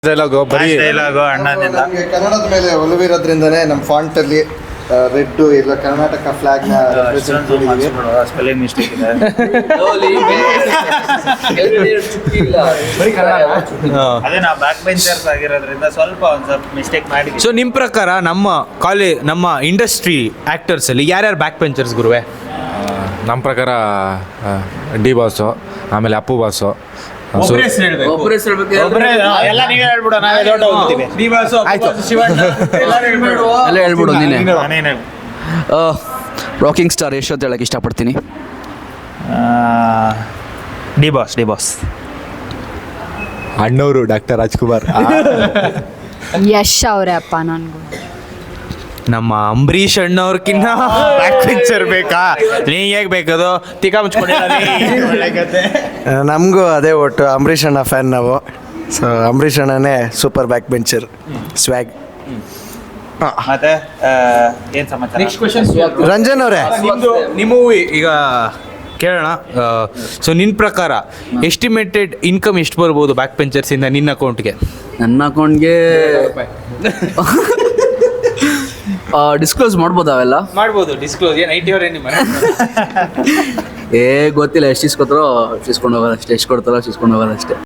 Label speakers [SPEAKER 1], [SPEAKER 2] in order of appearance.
[SPEAKER 1] Dialogue ಬರೀ
[SPEAKER 2] dialogue ಅಣ್ಣನಿಂದ.
[SPEAKER 3] ನಮಗೆ ಕನ್ನಡದ ಮೇಲೆ ಒಲವಿರೋದ್ರಿಂದನೇ ನಮ್ಮ ಫಾಂಟ್ ಅಲ್ಲಿ ರೆಡ್ ಇಲ್ಲ ಕರ್ನಾಟಕ ಫ್ಲಾಗ್ ನ
[SPEAKER 2] ಸ್ಪೆಲ್ಲಿಂಗ್ ಮಿಸ್ಟೇಕ್ ಇದೆ. ಅದೇ ನಾವು ಬ್ಯಾಕ್ ಬೆಂಚರ್ಸ್ ಆಗಿರೋದ್ರಿಂದ ಸ್ವಲ್ಪ ಮಿಸ್ಟೇಕ್ ಮಾಡಿದ್ವಿ.
[SPEAKER 1] ಸೊ ನಿಮ್ಮ ಪ್ರಕಾರ ನಮ್ಮ ಇಂಡಸ್ಟ್ರಿ ಆ್ಯಕ್ಟರ್ಸಲ್ಲಿ ಯಾರ್ಯಾರು ಬ್ಯಾಕ್ ಬೆಂಚರ್ಸ್ ಗುರುವೆ?
[SPEAKER 4] ನಮ್ಮ ಪ್ರಕಾರ ಡಿ ಬಾಸು, ಆಮೇಲೆ ಅಪ್ಪು ಬಾಸು,
[SPEAKER 2] ಒಬ್ಬರೇ ಎಲ್ಲ ನೀವೇ ಹೇಳ್ಬಿಡು, ನಾವೇ ದೊಡ್ಡ ಹೋಗ್ತೀವಿ.
[SPEAKER 5] ಎಲ್ಲ ಹೇಳ್ಬಿಡು ನೀನೆ.
[SPEAKER 2] ನಾನೇನು
[SPEAKER 5] ರಾಕಿಂಗ್ ಸ್ಟಾರ್ ಯಶ್ ಅಂತ ಹೇಳಕ್ಕೆ ಇಷ್ಟಪಡ್ತೀನಿ.
[SPEAKER 2] ಡಿ ಬಾಸ್
[SPEAKER 4] ಅಣ್ಣವರು ಡಾಕ್ಟರ್ ರಾಜ್ಕುಮಾರ್.
[SPEAKER 6] ಯಶ್ ಅವರೇ ಅಪ್ಪ. ನನಗೂ
[SPEAKER 1] ನಮ್ಮ ಅಂಬರೀಷ್ ಅಣ್ಣವ್ರಕ್ಕಿನ್ನ ಬ್ಯಾಕ್ ಬೆಂಚರ್ ಬೇಕಾ? ನೀ ಹೇಗೆ ಬೇಕದು ತಿಕ್ಕ ಮುಚ್ಕೊಂಡಿಲ್ಲ.
[SPEAKER 3] ನಮಗೂ ಅದೇ ಒಟ್ಟು ಅಂಬರೀಷ್ ಅಣ್ಣ ಫ್ಯಾನ್ ನಾವು. ಸೊ ಅಂಬರೀಷ್ ಅಣ್ಣನೇ ಸೂಪರ್ ಬ್ಯಾಕ್ ಬೆಂಚರ್ ಸ್ವ್ಯಾಗ್.
[SPEAKER 2] ಮತ್ತೆ ಏನ್ ಸಮಾಚಾರ?
[SPEAKER 3] ರಂಜನ್ ಅವರೇ,
[SPEAKER 1] ನಿಮ್ಮ ಮೂವಿ ಈಗ ಕೇಳೋಣ. ಸೊ ನಿನ್ನ ಪ್ರಕಾರ ಎಸ್ಟಿಮೇಟೆಡ್ ಇನ್ಕಮ್ ಎಷ್ಟು ಬರ್ಬೋದು ಬ್ಯಾಕ್ ಬೆಂಚರ್ಸಿಂದ ನಿನ್ನ ಅಕೌಂಟ್ಗೆ?
[SPEAKER 5] ನನ್ನ ಅಕೌಂಟ್ಗೆ ಡಿಸ್ಕ್ಲೋಸ್ ಮಾಡ್ಬೋದು ಅವೆಲ್ಲ?
[SPEAKER 1] ಮಾಡ್ಬೋದು ಡಿಸ್ಕ್ಲೋಸ್. ಏನು ಐಟಿ ನಿಮ್ಮ
[SPEAKER 5] ಗೊತ್ತಿಲ್ಲ, ಎಷ್ಟು ಇಸ್ಕೊತಾರೋ ಇಸ್ಕೊಂಡು ಹೋಗೋದು ಅಷ್ಟೇ, ಎಷ್ಟು ಕೊಡ್ತಾರೋ ಇಸ್ಕೊಂಡು ಹೋಗೋದು ಅಷ್ಟೇ.